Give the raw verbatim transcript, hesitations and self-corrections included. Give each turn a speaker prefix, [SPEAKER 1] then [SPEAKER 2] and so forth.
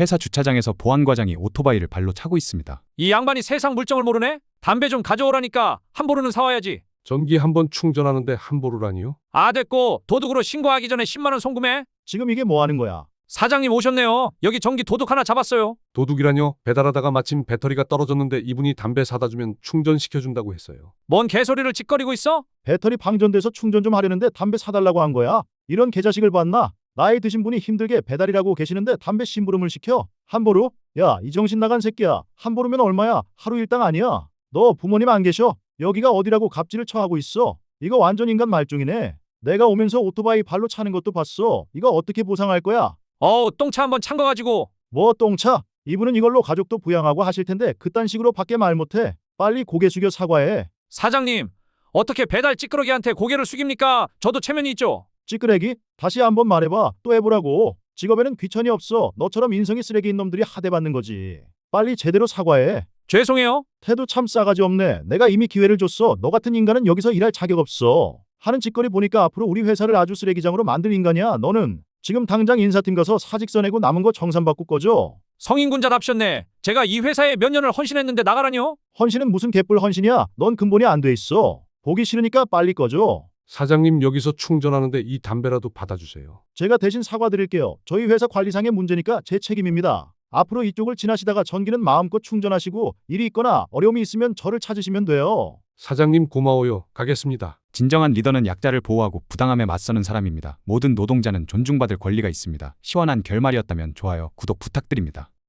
[SPEAKER 1] 회사 주차장에서 보안과장이 오토바이를 발로 차고 있습니다.
[SPEAKER 2] 이 양반이 세상 물정을 모르네? 담배 좀 가져오라니까 한 보루는 사와야지.
[SPEAKER 3] 전기 한 번 충전하는데 한 보루라니요?
[SPEAKER 2] 아 됐고 도둑으로 신고하기 전에 십만 원 송금해.
[SPEAKER 4] 지금 이게 뭐 하는 거야?
[SPEAKER 2] 사장님 오셨네요. 여기 전기 도둑 하나 잡았어요.
[SPEAKER 3] 도둑이라뇨? 배달하다가 마침 배터리가 떨어졌는데 이분이 담배 사다 주면 충전시켜준다고 했어요.
[SPEAKER 2] 뭔 개소리를 짓거리고 있어?
[SPEAKER 4] 배터리 방전돼서 충전 좀 하려는데 담배 사달라고 한 거야? 이런 개자식을 봤나? 나이 드신 분이 힘들게 배달이라고 계시는데 담배 심부름을 시켜? 한 보루? 야, 이 정신 나간 새끼야. 한 보루면 얼마야? 하루 일당 아니야. 너 부모님 안 계셔? 여기가 어디라고 갑질을 처하고 있어? 이거 완전 인간 말종이네. 내가 오면서 오토바이 발로 차는 것도 봤어. 이거 어떻게 보상할 거야?
[SPEAKER 2] 어우 똥차 한번 찬 거 가지고.
[SPEAKER 4] 뭐 똥차? 이분은 이걸로 가족도 부양하고 하실 텐데 그딴 식으로 밖에 말 못해. 빨리 고개 숙여 사과해.
[SPEAKER 2] 사장님 어떻게 배달 찌끄러기한테 고개를 숙입니까? 저도 체면이 있죠.
[SPEAKER 4] 찌끄레기? 다시 한번 말해봐. 또 해보라고. 직업에는 귀천이 없어. 너처럼 인성이 쓰레기인 놈들이 하대받는 거지. 빨리 제대로 사과해.
[SPEAKER 2] 죄송해요.
[SPEAKER 4] 태도 참 싸가지 없네. 내가 이미 기회를 줬어. 너 같은 인간은 여기서 일할 자격 없어. 하는 짓거리 보니까 앞으로 우리 회사를 아주 쓰레기장으로 만들 인간이야. 너는 지금 당장 인사팀 가서 사직서 내고 남은 거 정산받고 꺼져.
[SPEAKER 2] 성인군자답셨네. 제가 이 회사에 몇 년을 헌신했는데 나가라뇨?
[SPEAKER 4] 헌신은 무슨 개뿔 헌신이야. 넌 근본이 안 돼 있어. 보기 싫으니까 빨리 꺼져.
[SPEAKER 3] 사장님 여기서 충전하는데 이 담배라도 받아주세요.
[SPEAKER 4] 제가 대신 사과드릴게요. 저희 회사 관리상의 문제니까 제 책임입니다. 앞으로 이쪽을 지나시다가 전기는 마음껏 충전하시고 일이 있거나 어려움이 있으면 저를 찾으시면 돼요.
[SPEAKER 3] 사장님 고마워요. 가겠습니다.
[SPEAKER 1] 진정한 리더는 약자를 보호하고 부당함에 맞서는 사람입니다. 모든 노동자는 존중받을 권리가 있습니다. 시원한 결말이었다면 좋아요, 구독 부탁드립니다.